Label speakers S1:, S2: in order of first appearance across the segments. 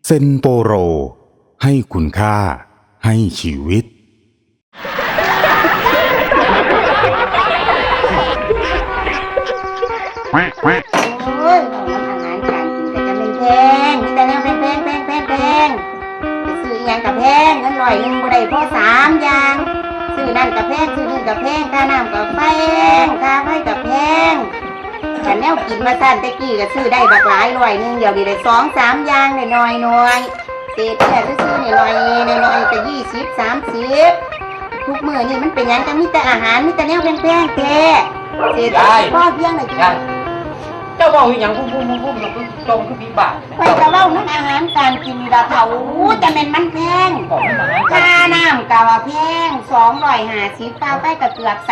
S1: เซนโปโรให้คุณค่าให้ชีวิต
S2: โอ้ยของมันอาหารการกินแต่จะเป็นแพงมีแต่แนวแพงไปซื้ออีหยังกับแพงเงิน100บ่ได้พอ3อย่างซื้อนั่นกับแพงซื้อนี่กับแพงค่าน้ำกับแพงค่าไฟกับแพงแต่แนวกินมาสั่นตะกี้ก็ซื้อได้บักหลาย100เดี๋ยวนี้ได้2-3อย่างได้น้อยเศษแค่ซื้อนี่น้อยก็20 30ทุกมื้อนี่มันเป็นหยังจังมีแต่อาหารมีแต่แนวแพงแท้เศษพ่อเพียงน่ะจ้ะ
S3: เจ้าบอกอย่างพุ่มจงคือปีบาท
S2: ไปกะเว้าน้ำอาหารการกินละเขาจะเป็นมันแพงค่าน้ำกะว่าแพง250ค่าไฟก็เกือบ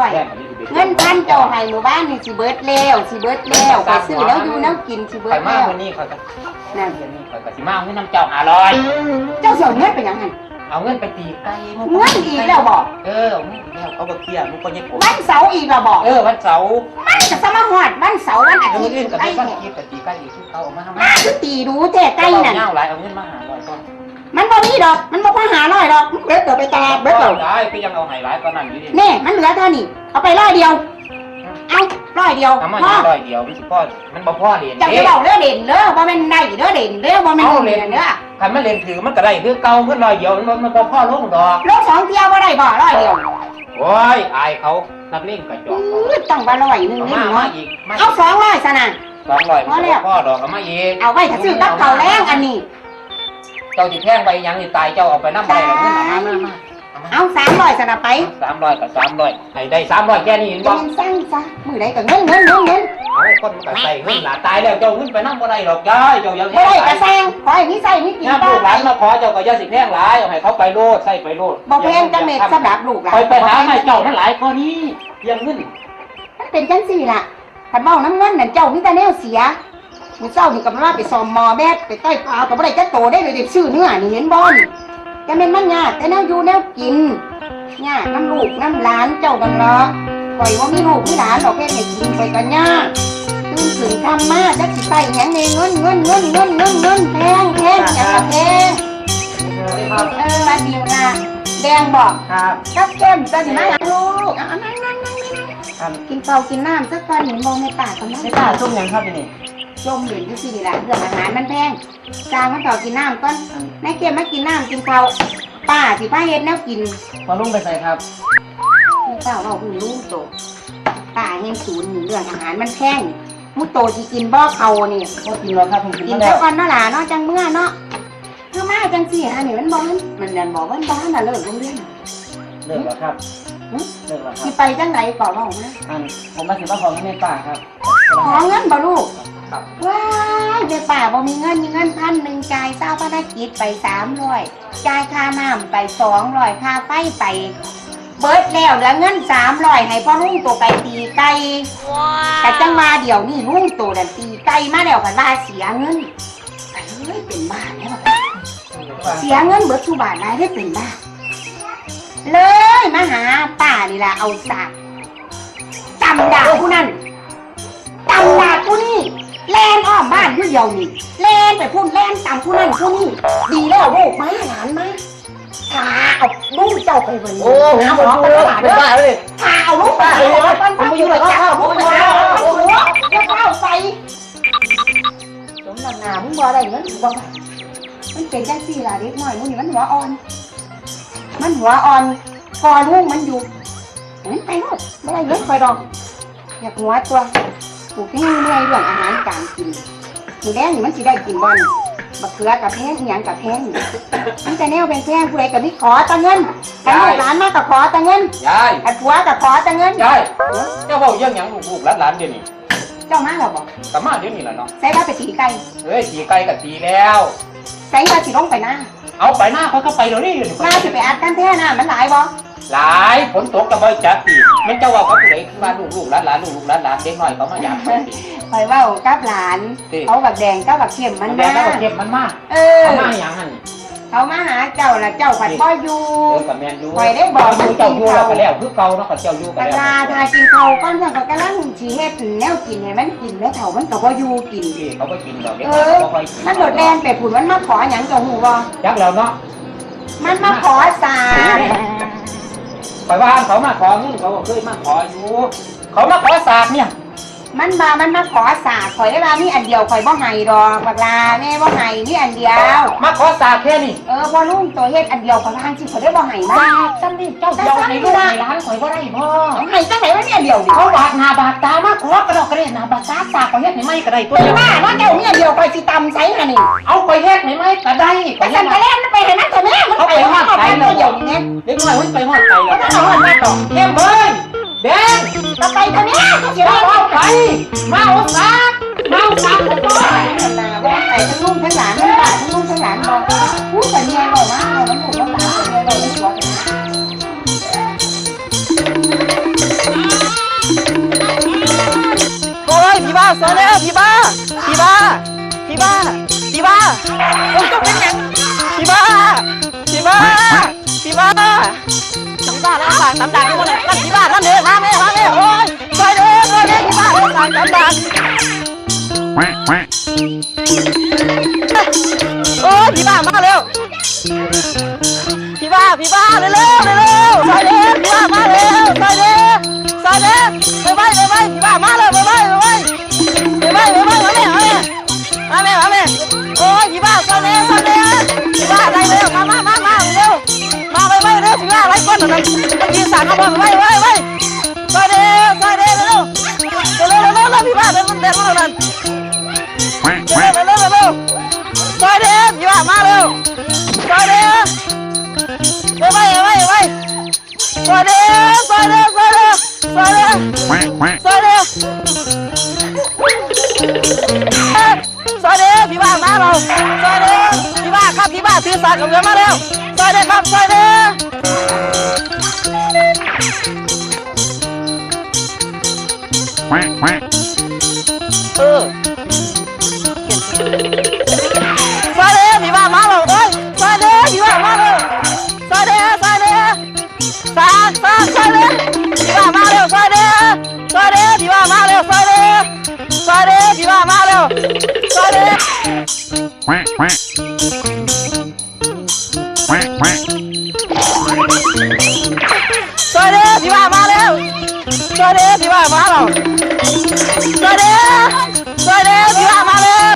S2: 300เงินพันเจ้าให้หมู่บ้านนี่สิเบิดแล้วไปซื้อแล้วอยู่แล้วกินสิเบิดแล้ว
S3: วันนี้เขาจะ
S2: นั่น
S3: เขาจะสิมาเอาเงินน้ำเจ้า500
S2: เจ้าเสียเงินไปยังไง
S3: เอาเงินไปตีไก่
S2: เงินอีกแล้วบอก
S3: แล้วเขาบอกเตี้ยมันก็ยัง
S2: วันเสาร์อีกแล้วบอก
S3: วันเสาร์
S2: มันจะสมาหอดวันเสาร์วันอา
S3: เอา
S2: ทิตย์
S3: เงินกับ
S2: ไก่
S3: ไป
S2: เนี่ย
S3: ตีกับตีไก่อีกที่เขาเอามาทำ
S2: มาคือตีดูเท่ไก่นั่น
S3: เงาหลายเอาเงินมา500ก้อน
S2: มันบ่มีดอกมันบ่พอหาร้อยดอกเบิดเดี๋ยวไปตลาดเบิดเดี๋ยว
S3: ได้ก็ยังเอาไฮไลท์ก็นั่นอยู่ดิ
S2: นี่มันเหลือเท่านี้เอาไป100เดียวเอา100เดียว
S3: ทำมา
S2: พ่อ
S3: 100เดียวมันสิพ่อมันบ่พ่อเรียน
S2: จะบอกเด้อเด่นเด้อบ่แม่นได้เด้อเด่นเด้อบ่แม่นเด่นเด้อ
S3: คันมันเรียนถือมันก็ได้คือเก่าเงิน100เดียวมันบ่พ่อลงดอก
S2: ลง2เที่ยวบ่ได้บ่100เดียว
S3: โอ้ยอายเขานักเล่นกระจอก
S2: ต้องว่า100นึง
S3: เอา
S2: นี่
S3: มา
S2: เนาะ
S3: อีก
S2: เอา200ซะน่ะ
S3: 200พ่อดอกเอามาอีก
S2: เอาไว้ถ้าซื้อกับข้าวแรงอันนี้
S3: เจ้าสิแพงไปยังนี่ตายเจ้าเอาไปน้ำไปแล้วเงินเอามา
S2: เอา300ซะน่ะไป
S3: 300กับ300ให้ได้300แค่นี้เห็น
S2: จะ
S3: บ่
S2: เป็นสั่งซะมื้อใดก็เงิน
S3: เอาคนมันก็ใส่เงินหลาตายแล้วเจ้าเงินไปน้ำบ่ได้หรอกยายเจ้าอย่าแพ
S2: บ่
S3: ง
S2: ได้
S3: หลา
S2: ก็
S3: ย
S2: แซงขอให้มีใส่มีกิน
S3: ถ้า
S2: ต่
S3: ลู
S2: อก
S3: หลานมาขอเจ้าก็อย่าสิแพงหลายเอาให้เขาไปโลดใส่ไปโลด
S2: บ่แพงจังเม็ดสำหรับลูกหลาน
S3: ไปหาให้เจ้ามันหลายกว่านี้ยังเงิน
S2: มันเป็นจังซี่ล่ะคันเว้าน้ำเงินนั่นเจ้ามีแต่แนวเสียมื้อเช้านี่ก็มาไปซ่อมหมอแบดไปใต้ปลาก็บ่ได้จักโตได้เลยซื้อเนื้อนี่เห็นบ่นี่จะแม่นมันยากแต่แนวอยู่แนวกินยากน้ำลูกน้ำหลานเจ้าบังเนาะข่อยว่ามีลูกมีหลานดอกแค่ให้กินไปก็ยากตื่นถึงทำมาจักสิใส่หยังนี่เงินแพงหยังก็แพงมาดีนะแดงบอก
S3: ครับ
S2: กับแก้มจะสิมาลูกเอานั่งกินข้าวกินน้ำสักก่อนเห็นมองในปากกันนะ
S3: ไม่กล้าส้มยังครับนี่
S2: จมเหรียญที่สี่ละเรื่องอาหารมันแพงจางมันข้าวกินน้ำก่อนนายเกมมากินน้ำกินข้าวป้าสิป้าเฮ็ดแนวกิน
S3: พอลุงไปใส่ครับ
S2: นี่เปล่าเราคือลูกโตป้าเห็นศูนย์เรื่องอาหารมันแพงมุโตสิกินบ่เขานี่
S3: พอกินแล้วครับผมกิน
S2: กิน
S3: แล้
S2: สัก
S3: ว
S2: ก่อนเนาะล่ะเนาะจังเมื่อเนาะคือมาจังสี่อันนี้มันบ่มันนั่นบอกว่าบ้านน่ะเลิกโรงเรียน
S3: เลิกแล้วครับเลิกแล้วครั
S2: สิ
S3: บ
S2: ไปจังไหนก่อนเนาะนะ
S3: ผมมาสิว่าของเงินในป่าครับ
S2: ขอเงินบ่ลูก
S3: ครับ
S2: ว้ายเด็กป่าบ่มีเงิน1,000จ่ายเจ้าพนักกิจไป300จ่ายค่าน้ำไป200ค่าไฟไปเบิดแล้วเหลือเงิน300ให้พ่อลุงตัวไปตีไก่แต่จังมาเดี๋ยวนี้ลุงตัวนั่นตีไก่มาแล้วก็ว่าเสียเงินไปเลยเป็นบ้าแล้วเสียเงินเบิดทุกบาทได้เป็นบ้าเลยมาหาป้านี่ล่ะเอาสากตำดาผู้นั้นตำดาผู้นี้แล่นอ้อมบ้านอยู่เดียวนี่แล่นไปพูดแล่นตำผู้นั้นผู้นี้ดีแล้วลูกมาหลานมาพาเอาลูกเจ้าไปวันนี้
S3: โอ้ผม
S2: หมอ
S3: เป็น
S2: ตลาด
S3: บ้าเลย
S2: พาเอาลูกไปผมไปอยู่เลยครับผมไปหาลูกแล้วเข้าไปสมนามึงบ่ได้เงินบ่ได้มันเป็นจังซี่ล่ะเด็กน้อยมึงนี่มันหัวอ่อนพอลูกมันอยู่ไปลูกไม่ได้เงินคอยดอกอยากหัวตัวปลูกที่นี่เมื่อยเรื่องอาหารการกินมีแดงนี่มันสิได้กินบ่นบักเขือกับแพงอีหยังกับแพงมันจะแนวเป็นแพงผู้ใดก็มีขอตะเงินกันลูกหลานมากับขอตะเงิน
S3: ยาย
S2: กันผัวกับขอตะเงิน
S3: ยายเจ้าบอกยังหยังลูกหลานเดี๋ยวนี้
S2: เจ้ามาหรอบอก
S3: กลับมาเดี๋ยวนี้แหละเนาะ
S2: ใส่ว่าไปตีไก่
S3: เฮ้ยตีไก่กับตีแล้ว
S2: ใส่ว่าสิลงไปนะ
S3: เอาไปหน้าเขาก็ไปเดี๋ยวนี้
S2: มาสิไปอัดกันแท้นะมันหลายบ่
S3: หลายฝนตกกับบ่จัดตีมันเจ้าว่าเขาผู้ใดคือว่าลูกหลานเด็กน้อยเขามาอยาก
S2: คอยว่ากับหลานเขาบักแดงกับบักเข้มมัน
S3: แม่
S2: มา
S3: ก็เก็บมันมาก
S2: เออ
S3: เอามาอย่างนั้น
S2: ทเขามาหาเจ้าล่ะเจ้าผัดบ่อยู่
S3: กับแมนยู
S2: ข่อยได้บอก
S3: เจ้าอยู่แล้วก็แล้วคือเก่าเนาะกับเจ้าอยู่
S2: ก
S3: กัน
S2: ลา
S3: แล้ว
S2: ทากินเขาก้อนสั่งกับกะลังสิเฮ็ดแนวกินให้มันกินแล้วเฒ่ามันก็บ่อยู่กิน
S3: ที่เขาก็กินดอกเด็ก
S2: มันโดดแดนไปผุนมันมาขอหยังเจ้าหูบ่
S3: จักแล้วเนาะ
S2: มันมาขอสา
S3: ไปว่าเขามาขอเงินเขาเคยมาขออยู่เขามาขอสากเนี่ย
S2: มันมาขอสาข่อยได้ว่ามีอันเดียวข่อยบ่ให้ดอกบักลาแม่บ่ให้มีอันเดียว
S3: มาขอสากแค่นี้
S2: พอลุงตัวเฮ็ดอันเดียวข่อยทางสิข่อยได้บ่ให้มา
S3: สากซ้ำนี่เจ้าเดียวในลูกในร้านข่อยบ่ได้พ่อ
S2: ให้จังไหนวะเนี่ยเดียวดิ
S3: เขาบาดหน้าบาดตามาขอกระดอกกระเด็นหน้าบาดตาสากข่อยเฮ็ดให้ไม่ก็ได้ตัวเดียว
S2: ว่าเนาะเจ้ามีอันเดียวข่อยสิตำใส่หั่นนี่
S3: เอาข่อยเฮ็ดให้ไม่ก็ได้
S2: ไปสั่นไปแล้วมันไปให้มันตัวแม่มันไปฮอดไปเดียวนี่
S3: เด็กน้อยมันไปฮอดไป
S2: ก็ต้องฮอดมาต่อ
S3: เข้มเพิ่นแดง
S2: ก็ไปตัวแม่ก็สิ
S3: เจ้า
S2: ว่า
S3: เอาไปมาเอาสากมาเอาสากผมก่อน
S2: นาว่าไปทั้งลุงทั้งหลานทั้งบ้านทั้งลุงทั้งหลานบอกพูดแต่เมียบอกว่าเอามันถูกมันหลานแต่เมียบอกไม่ชัวร์
S4: โอ้ยพี่บ้าสอนแล้วพี่บ้าพี่บ้าพี่บ้าพี่บ้าโอ้ยต้องเป็นอย่างพี่บ้าพี่บ้าพี่บ้าน้ำตาแล้วสั่งน้ำด่างทุกคนเลยนั่นพี่บ้านั่นเด้อมาแม่โอ้ยซอยเด้อพี่บ้าแล้วสั่งน้ำด่างโอ้ยพี่บ้ามาเร็วพี่บ้าเร็วซอยเด้อพี่บ้ามาเร็วซอยเด้อไปพี่บ้ามาเร็วไปมาแม่โอ้ยพี่บ้าซอยเด้อพี่บ้าอะไรเร็วมาเร็วมาไปเร็วพี่บ้าอะไรก้อนนั่นมันยืนสั่งเขาบอกไปซอยเด้อเร็วพี่บ้าเดินมานั่นเร็วซอยเด้อพี่บ้ามาเร็วซอยเด้อไปซอยเด้อซอยเด้อพี่บ้ามาเราซอยเด้อพี่บ้าครับพี่บ้าถือสากกับเรือมาเร็วซอยเด้อครับซอยเด้อซอยเด้อพี่บ้ามาเราเอ้ยซอยเด้อพี่บ้ามาเร็วซอยเด้อสากซอยเด้อพี่บ้ามาเร็วซอยเด้อพี่บ้ามาเร็วซอยเด้อพี่บ้ามาเร็วซอยเด้อซอยเด้อพี่บ้ามาเร็วซอยเด้อพี่บ้ามาเร็วซอยเด้อพี่บ้ามาเร็ว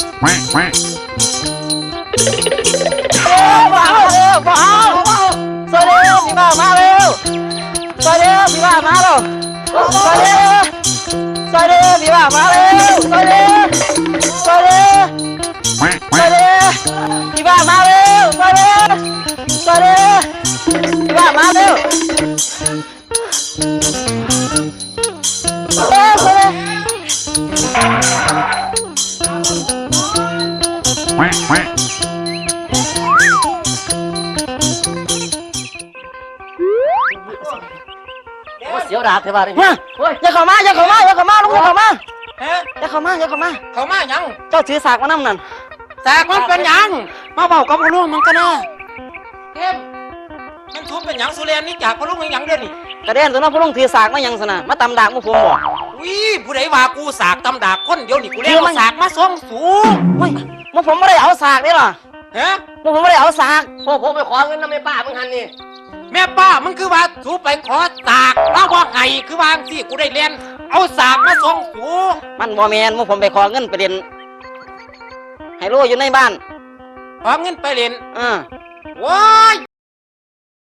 S4: บ่เอาซอยเด้อพี่บ้ามาเร็วซอยเด้อพี่บ้ามาเร็วซอยเด้อพี่บ้ามาเร็วซอยเด้อพี่บ้ามาเร็วซอยเด้อพี่บ้ามาเร็วเสียวดาบเทวาเลยอย่าเข้ามาลุงอย่าเข้ามา
S3: เขามายัง
S4: เจ้าถือสากมานั่งนั่น
S3: สากมันเป็นยัง
S4: มาเบากับพ่อลุงมันก็น่า
S3: เข้มมันทุบเป็นยังสุเรียนนี่จากพระลุงยังเดือนนี่
S4: กระเด็นตัวนั้นพ่อลุงถือสากมายังสนะมาตำดากมุผมบอก
S3: วิผู้ใดว่ากูสากตำดากคนเดียวนี่กูเลี้ยงสากมาส่งสูง
S4: เฮ้ยมุผมไม่ได้เอาสากนี่หรอ
S3: ฮะ
S4: มุผมไม่ได้เอาสาก
S5: พวกผมไปขอเงินน้ำแม่ป้ามึงหันนี่
S3: แม่ป้ามันคือว่าสูไปขอสากมาว่าไงคือว่าสิกูได้เรียนเอาสากมาส่งสู
S4: มันบ่แมนมุผมไปขอเงินไปเรียนไฮโลอยู่ในบ้าน
S3: ขอเงินไปเรียน
S4: อ่า
S3: ว้าย